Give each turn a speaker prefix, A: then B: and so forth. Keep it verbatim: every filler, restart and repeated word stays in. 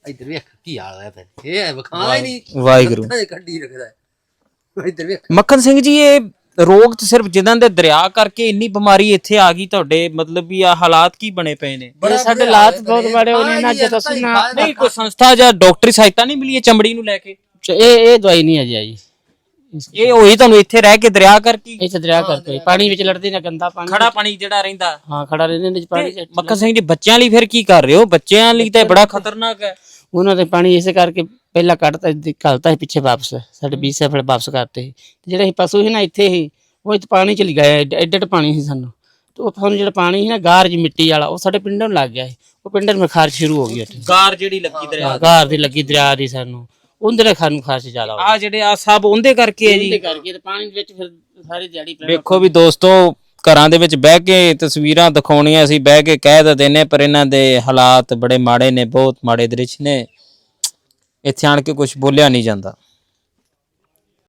A: ਇੱਧਰ ਵੇਖ ਕੀ ਹਾਲ ਹੈ ਫਿਰ ਇਹ ਵਿਖਾ ਹੀ ਨਹੀਂ
B: ਵਾਹਿਗੁਰੂ
A: ਕੱਢੀ ਰੱਖਦਾ ਇੱਧਰ ਵੇਖ
B: ਮੱਖਣ ਸਿੰਘ ਜੀ ਇਹ ਰੋਗ ਤੇ ਸਿਰਫ ਜਿਨ੍ਹਾਂ ਦੇ ਦਰਿਆ ਕਰਕੇ ਇੰਨੀ ਬਿਮਾਰੀ ਇੱਥੇ ਆ ਗਈ ਤੁਹਾਡੇ ਮਤਲਬ ਵੀ ਆ ਹਾਲਾਤ ਕੀ ਬਣੇ ਪਏ ਨੇ
C: ਸਾਡੇ ਹਾਲਾਤ ਬਹੁਤ ਬੜੇ ਹੋਣੇ ਨਾ ਜੇ ਤੁਸੀਂ ਨਾ
B: ਨਹੀਂ ਕੋਈ ਸੰਸਥਾ ਜਾਂ ਡਾਕਟਰੀ ਸਹਾਇਤਾ ਨਹੀਂ ਮਿਲੀ ਚਮੜੀ ਨੂੰ ਲੈ ਕੇ
C: ਇਹ ਇਹ ਦਵਾਈ ਨਹੀਂ ਅਜੇ ਆਈ
B: ਇਹ ਹੋਈ ਤੁਹਾਨੂੰ ਇੱਥੇ ਰਹਿ ਕੇ ਦਰਿਆ ਕਰਕੇ
C: ਇੱਥੇ ਦਰਿਆ ਕਰਕੇ ਪਾਣੀ ਵਿੱਚ ਲੜਦੀ ਨਾ ਗੰਦਾ ਪਾਣੀ
B: ਖੜਾ ਪਾਣੀ ਜਿਹੜਾ ਰਹਿੰਦਾ
C: ਹਾਂ ਖੜਾ ਰਹਿੰਦੇ ਨੇ ਪਾਣੀ ਚ
B: ਮੱਖਣ ਸਿੰਘ ਜੀ ਬੱਚਿਆਂ ਲਈ ਫਿਰ ਕੀ ਕਰ ਰਹੇ ਹੋ ਬੱਚਿਆਂ ਲਈ ਤਾਂ ਬੜਾ ਖਤਰਨਾਕ ਹੈ
C: ਉਹਨਾਂ ਦੇ ਪਾਣੀ ਇਸੇ ਕਰਕੇ ਪਹਿਲਾਂ ਕੱਢਤਾ ਘਲਤਾ ਸੀ ਪਿੱਛੇ ਵਾਪਸ ਸਾਡੇ ਵੀਹ ਸਾਲ ਵਾਪਸ ਕਰਤੇ ਸੀ ਤੇ ਜਿਹੜੇ ਪਸ਼ੂ ਸੀ ਨਾ ਇੱਥੇ ਹੀ ਉਹ ਇੱਥੇ ਪਾਣੀ ਚ ਗਏ ਐਡੇ ਐਡੇ ਪਾਣੀ ਸੀ ਸਾਨੂੰ ਤੇ ਉਹ ਸਾਨੂੰ ਜਿਹੜਾ ਪਾਣੀ ਸੀ ਨਾ ਗਾਰ ਜੀ ਮਿੱਟੀ ਵਾਲਾ ਉਹ ਸਾਡੇ ਪਿੰਡਾਂ ਨੂੰ ਲੱਗ ਗਿਆ ਸੀ ਉਹ ਪਿੰਡਾਂ ਨੂੰ ਖਾਰਸ਼ ਸ਼ੁਰੂ ਹੋ ਗਈ ਉੱਥੇ
B: ਗਾਰ ਜਿਹੜੀ ਲੱਗੀ ਦਰਿਆ
C: ਗਾਰ ਦੀ ਲੱਗੀ ਦਰਿਆ ਦੀ ਸਾਨੂੰ ਉਹਦੇ ਨਾਲ ਖਾਨੂੰ ਖਾਰਸ਼ ਜ਼ਿਆਦਾ ਹੋ
B: ਆ ਜਿਹੜੇ ਆ ਸਭ ਉਹਦੇ ਕਰਕੇ ਹੈ ਜੀ
C: ਉਹਦੇ ਕਰਕੇ ਤੇ ਪਾਣੀ ਵਿੱਚ ਫਿਰ ਸਾਰੀ ਦਿਹਾੜੀ
B: ਵੇਖੋ ਵੀ ਦੋਸਤੋ ਘਰਾਂ ਦੇ ਵਿੱਚ ਬਹਿ ਕੇ ਤਸਵੀਰਾਂ ਦਿਖਾਉਣੀਆਂ ਅਸੀਂ ਬਹਿ ਕੇ ਕਹਿ ਤਾਂ ਦਿੰਦੇ ਪਰ ਇਹਨਾਂ ਦੇ ਹਾਲਾਤ ਬੜੇ ਮਾੜੇ ਨੇ ਬਹੁਤ ਮਾੜੇ ਦ੍ਰਿਸ਼ ਨੇ ਇੱਥੇ ਆਣ ਕੇ ਕੁਝ ਬੋਲਿਆ ਨਹੀਂ ਜਾਂਦਾ।